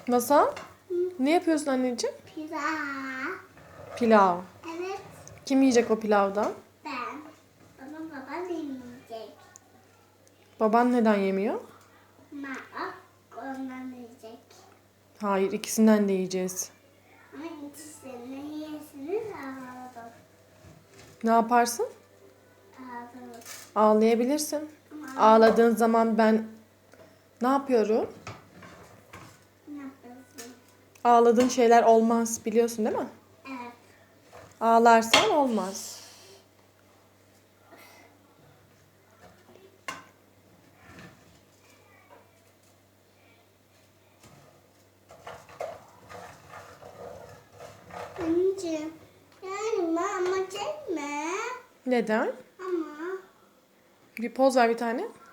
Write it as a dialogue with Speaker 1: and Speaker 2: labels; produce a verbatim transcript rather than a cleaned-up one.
Speaker 1: Masal,
Speaker 2: Hı.
Speaker 1: ne yapıyorsun anneciğim?
Speaker 2: Pizza.
Speaker 1: Pilav.
Speaker 2: Evet.
Speaker 1: Kim yiyecek o pilavdan?
Speaker 2: Ben. Babam babam yemeyecek.
Speaker 1: Baban neden yemiyor?
Speaker 2: Mama ondan yiyecek.
Speaker 1: Hayır, ikisinden de yiyeceğiz.
Speaker 2: Ama ikisini yiyesiniz ağladım.
Speaker 1: Ne yaparsın?
Speaker 2: Ağladım.
Speaker 1: Ağlayabilirsin.
Speaker 2: Ama
Speaker 1: Ağladığın zaman ben ne yapıyorum?
Speaker 2: ne yapıyorsun?
Speaker 1: Ağladığın şeyler olmaz, biliyorsun değil mi?
Speaker 2: Evet.
Speaker 1: Ağlarsan olmaz.
Speaker 2: Anneciğim. Yani mama çekme.
Speaker 1: Neden?
Speaker 2: Ama
Speaker 1: Bir poz ver bir tane.